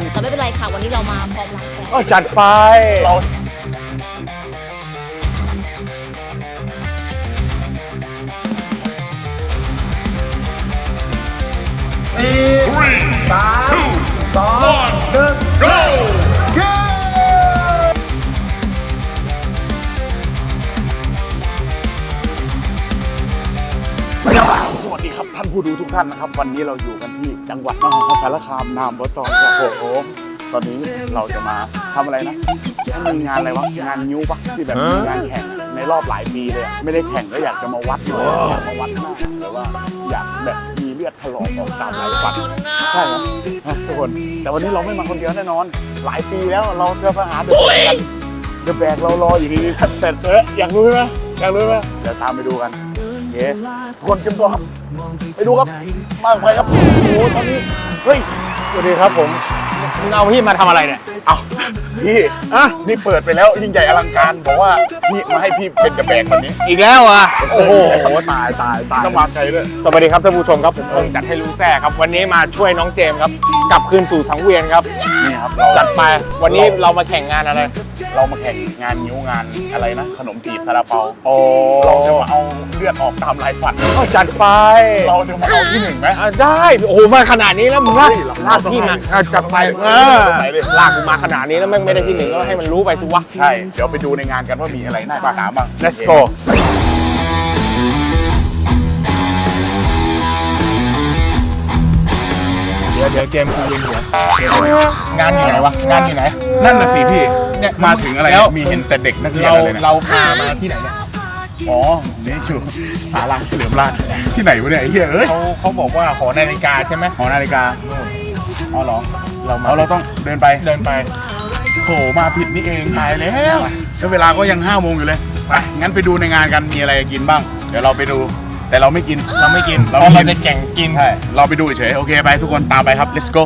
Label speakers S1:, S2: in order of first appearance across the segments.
S1: แต่ไม่เป็นไรค่ะวันนี้เรามาพร้อมรักกัน
S2: จัดไปเราสวัสดีครับท่านผู้ดูทุกท่านนะครับ วันนี้เราอยู่กันที่จังหวัดมหาสารคามนามบตครับผมตอนนี้เราจะมาทำอะไรนะมีงานอะไรวะงานนิ้วปะที่แบบมีงานแข่งในรอบหลายปีเลยไม่ได้แข่งก็อยากจะมาวัดหน่อยอยากมาวัดหน้าหรือว่าอยากแบบมีเลือดถลอกออกตามไหล่ฟันใช่ครับทุกคนแต่วันนี้เราไม่มาคนเดียวแน่นอนหลายปีแล้วเราจะมาหาเดอะแบกกันเดอะแบกเรารออยู่ดีๆแต่อยากรู้ไหมอยากรู้ไหมเดี๋ยวตามไปดูกันเย้คนเตรียมตัวครับไปดูครับมากไปครับโอ้โหตอนนี้เฮ้ยสวัสดีครับผมมึงเอาพี่มาทำอะไรเนี่ยเอาพี่นี่เปิดไปแล้วยิ่งใหญ่อลังการบอกว่าพี่มาให้พี่เป็นกระแบกวันนี้
S3: อีกแล้วอ่ะโอ้โห
S2: ตายต้องมาไกลด้วย
S3: สวัสดีครับท่านผู้ชมครับผมพงษ์จัดให้รู้แซ่ครับวันนี้มาช่วยน้องเจมส์ครับกลับคืนสู่สังเวียนครับ
S2: นี่ครับ
S3: จัดไปวันนี้เรามาแข่งงานอะไร
S2: เรามาแข่งงานนิ้วงานอะไรนะขนมจีบซาลาเปา
S3: โอ้
S2: เราจะมาเอาเลือดออกตามลายฟัน
S3: จัดไป
S2: เราจะมาเอาที่หนึ่งไหม
S3: ได้โอ้โหมาขนาดนี้แล้วมึงลากพี่มาจัดไปลากกูมาขนาดนี้แล้วไม่ได้ที่หนึ่งก็ให้มันรู้ไปสิวะ
S2: ใช่เดี๋ยวไปดูในงานกันว่ามีอะไรน่าติดตามบ้าง
S3: Let's go เดี๋ยวเจมส์กูยืนหัวงานอยู่ไหนวะงานอยู่ไหน
S2: นั่นน่ะสิพี่เนี่ยมาถึงอะไรมีเห็นแต่เด็กนักเรียนอะไรเนี่ย
S3: เราพามาที่ไหนเนี่ย
S2: อ๋อนี่ชูศาลาเฉลิมราชที่ไหนวะเนี่ยไอ้เหี้ยเอ้ย
S3: เขาบอกว่าหอนาฬิกาใช่ไหม
S2: หอนาฬิกาอ๋อเหรอเราต้องเดินไปโถมาผิดนี่เองตายแล้วเวลาก็ยัง5 โมงอยู่เลยไปงั้นไปดูในงานกันมีอะไรกินบ้างเดี๋ยวเราไปดูแต่เราไม่กิน
S3: เราจะแข่งกิน
S2: ใช่เราไปดูเฉยโอเคไปทุกคนตามไปครับ let's go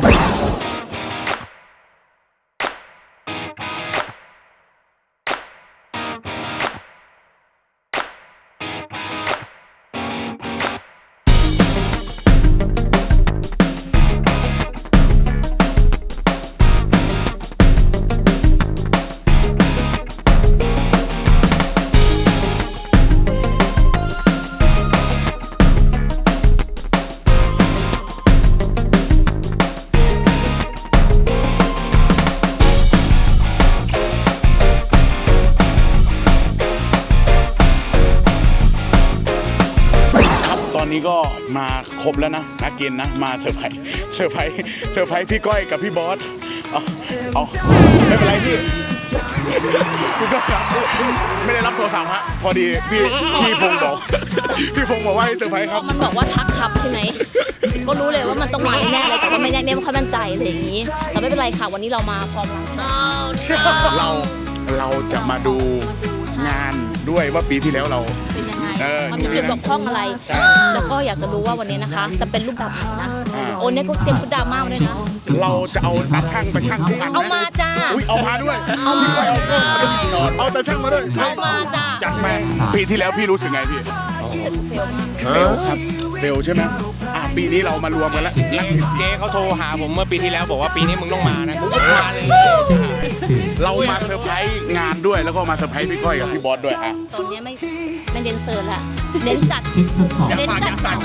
S2: ตอนนี้ก็มาครบแล้วนะนักกินนะมาเซอร์ไพรส์พี่ก้อยกับพี่บอสเอาไม่เป็นไรพี่ก็ไม่ได้รับโทรศัพท์ฮะพอดีพี่พงษ์บอกว่าให้เซอร์ไพรส์ครับ
S1: มันบอกว่าทักครับใช่ไหมก็รู้เลยว่ามันต้องมาแน่เลยแต่ว่าไม่ค่อยมั่นใจเลยอย่างนี้แต่ไม่เป็นไรค่ะวันนี้เรามาพร้อมรัก
S2: เราจะมาดูงานด้วยว่าปีที่แล้วเรา
S1: เป็นยังไงมันมีจุดบกพร่องอะไรแล้วก็อยากจะรู้ว่าวันนี้นะคะจะเป็นรูปแบบไหนนะโอ้เนี่ยก็เตรียมฟุตดราม่าเลยนะ
S2: เราจะเอาตาช่างไปช่างทุกอัน
S1: เอามาจ้า
S2: เอามาด้วยเอาตาช่างมาด้วย
S1: เอามาจ้า
S2: จัดมาปีที่แล้วพี่รู้สึกไงพี่
S1: เฟลมาก
S2: ครับเฟลใช่ไหมปีนี้เรามารวมกันแล้ว
S3: เจ๊เขาโทรหาผมเมื่อปีที่แล้วบอกว่าปีนี้มึงต้องมานะกูก็มาเลย
S2: เรามาเซอร์ไพรส์งานด้วยแล้วก็มาเซอร์ไพรส์พี่ก้อยกับพี่บอสด้วย
S1: ตอนนี้ไม่เน้นเซิร์ฟละเน้นจัด
S3: เน้น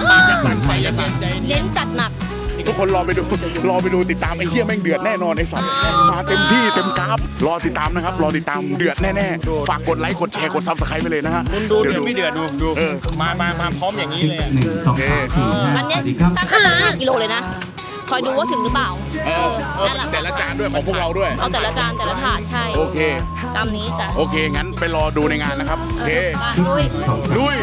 S1: จัดหนัก
S2: ทุกคนรอไปดูติดตามไอ้เหี้ยแม่งเดือดแน่นอนไอ้สัตว์มาเต็มที่เต็มกราฟรอติดตามนะครับรอติดตามเดือดแน่ๆฝากกดไลค์กดแชร์กดซับสไครป์ไปเลยนะฮะ
S3: ดูไม่เดือดดูมาพร้อมอย่างนี้เลย
S1: 1 2 3 4อันนี้ตั้งขนาด5 กิโลเลยนะคอยดูว่าถึงหรือเปล่า
S2: แต่ละจานด้วยของพวกเราด้วย
S1: เอาแต่ละจานแต่ละถาดใช่
S2: โอเค
S1: ตามนี้จ้ะ
S2: โอเคงั้นไปรอดูในงานนะครับโอเคลุย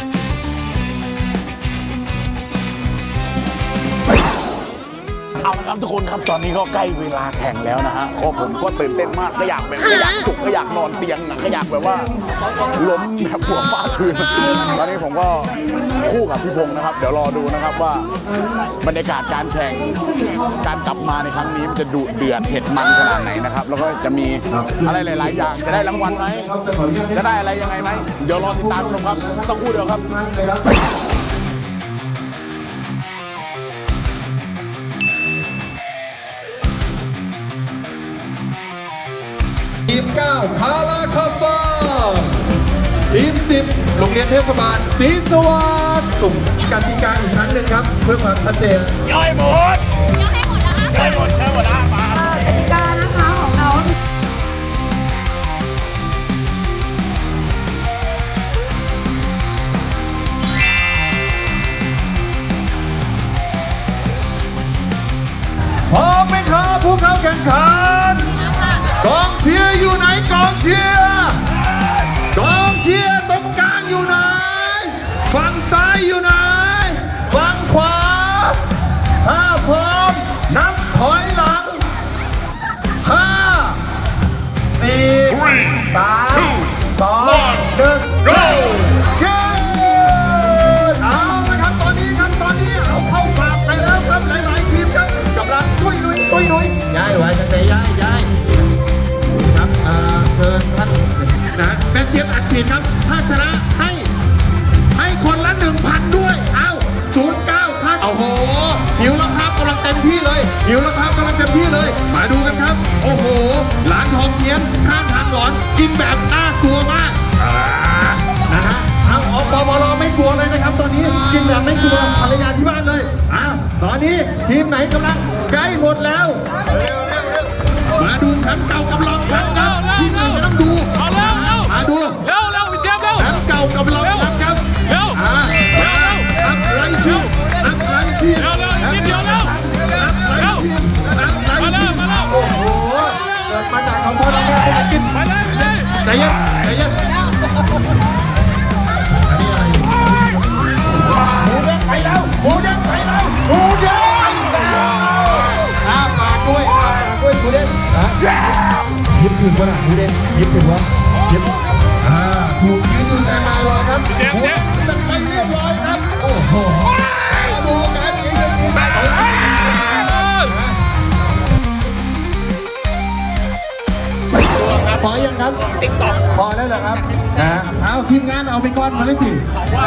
S2: เอาละครับครับทุกคนครับตอนนี้ก็ใกล้เวลาแข่งแล้วนะฮะก็ผมก็ตื่นเต้นมากก็อยากจุกก็อยากนอนเตียงก็อยากแบบว่าล้มแบบหัวฟาดพื้นตอนนี้ผมก็คู่กับพี่พงษ์นะครับเดี๋ยวรอดูนะครับว่าบรรยากาศการแข่งการกลับมาในครั้งนี้มันจะดุเดือดเผ็ดมันขนาดไหนนะครับแล้วก็จะมีอะไรหลายๆอย่างจะได้รางวัลไหมจะได้อะไรยังไงไหมเดี๋ยวรอติดตามชมครับสักครู่เดียวครับ
S4: ทีม 9 คาราคาซาทีม 10 โรงเรียนเทศบาลศรีสวัสดิ์สุ่มกติกาอีกครั้งหนึ่งครับ เพื่อความชัดเจน
S2: ย่อยหมดย่อยหมดแล้วมา
S5: กติกานะคะของเรา
S4: พร้อมไหมครับผู้เข้าแข่งขัน กองเชียร์อยู่ไหนกองเชียร์กองเชียร์ตรงกลางอยู่ไหนฝั่งซ้ายอยู่ไหนฝั่งขวาถ้าพร้อมนับถอยหลัง5 4 3 2 1 go เอาละครับตอนนี้เอาเข้าปากไปแล้วครับหลายๆทีมครับกำลังตุ้ยนุ้ยย้ายไว้จะย้ายครับเชิญท่านนะแม่เจี๊ยบอัดฉีดครับถ้าชนะให้คนละ 1,000 ด้วยเอา09ครับโอ้โหหิวแล้วครับกำลังเต็มที่เลยมาดูกันครับโอ้โหหลานทองเทียนข้างทางหลอนกินแบบน่ากลัวมากนะฮะเอาอปปรไม่กลัวเลยนะครับตอนนี้กินแบบไม่กลัวภรรยาที่บ้านเลยตอนนี้ทีมไหนกำลังใกล้หมดแล้วมาดูแชมป์เก่ากับรองแชมป์ครับทีมไหนต้องดูมาดูแชมป์เก่ากับรองแชมป์ครับอัพไลท์ทีมโอ้โหเกิดมาจากของพ่อและแม่ให้กินใจเย็นอันนี้อะไรหมูเด้งไปแล้วฝากด้วยหมูเด้งยิบถึงวะน่ะหมูเด้งยิบถึงวะยิบถูกยืนอยู่แต่มารอครับหมูเด้งสั่งไปเรียบร้อยครับโอ้โหดูกันพอยังครับติ๊กต็อกพอแล้วเหรอครับเอาทีมงานเอาไปก่อนมาเลยที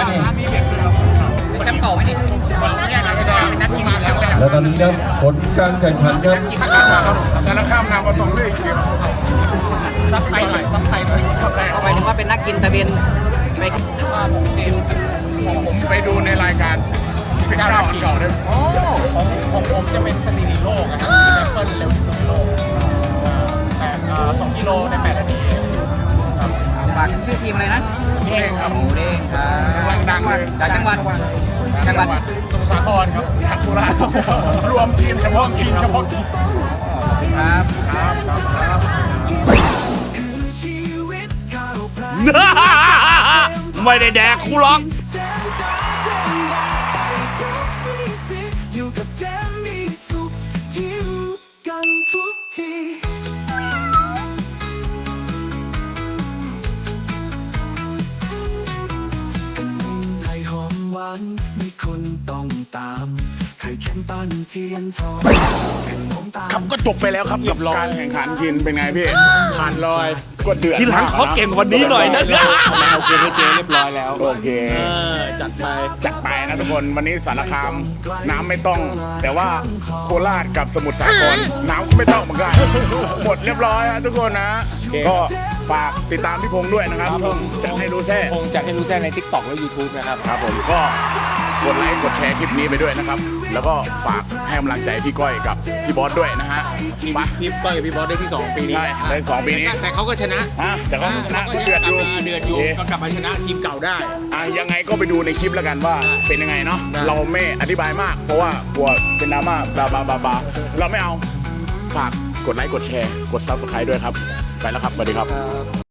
S4: แล้วตอนนี้ครับผลการแข่งขันครับ
S2: สารคามนามต้องเลยซับไทย
S6: เอาไปถึงว่าเป็นนักกินตะเวนไป
S2: ผมไปดูในรายการ19 อันเก่าเลย
S6: ของผมจะเป็นสถิติโลกนะครับที่แอปเปิลเร็วที่สุดในโลก2 กิโลใน 8 นาทีครับฝากชื่อทีมอะไรนะ
S2: เด้งครับ
S6: หมูเด้งครับ
S2: ดังเลย
S6: จากจังหวัด
S2: สมุทรสาครครับจากโคราชรวมทีมเฉพาะกิน
S6: ครับ
S3: ไม่ได้แดกกูหรอก
S7: มีคนต้องตามเคยแข่งปั้นเทียนทอง
S2: ครับก็จบไปแล้วครับกับการแข่งขันกินเป็นไงพี่ผ่านลอยก็เดือด
S3: ทีหลังเขาเก่งกว่านี้หน่อยนะ
S2: เอาเกมให้เจเรียบร้อยแล้วโอเคจัดไปนะทุกคนวันนี้สารคามน้ำไม่ต้องแต่ว่าโคราชกับสมุทรสาครน้ำก็ไม่ต้องเหมือนกันหมดเรียบร้อยทุกคนนะก็ฝากติดตามพี่พงษ์ด้วยนะครับช่องจัดให้รู้แท้
S3: พงษ์จัดให้รู้แท้ใน TikTok และ YouTube นะครับ
S2: ครับผมก็กดไลค์กดแชร์คลิปนี้ไปด้วยนะครับแล้วก็ฝากให้กำลังใจพี่ก้อยกับพี่บอสด้วยนะฮะ
S3: พี่ก้อยกับพี่บอสได้ที่2ปีนี้
S2: ใช่ได้2ปีนี้
S3: แต่เขาก็ชนะ
S2: แต่เขาชนะเดือดอยู่
S3: ก็กลับมาชนะทีมเก่าได้
S2: ยังไงก็ไปดูในคลิปแล้วกันว่าเป็นยังไงเนาะเราไม่อธิบายมากเพราะว่ากลัวเป็นดราม่าบลาเราไม่เอาฝากกดไลค์กดแชร์กด Subscribe ด้วยครับไปแล้วครับสวัสดีครับ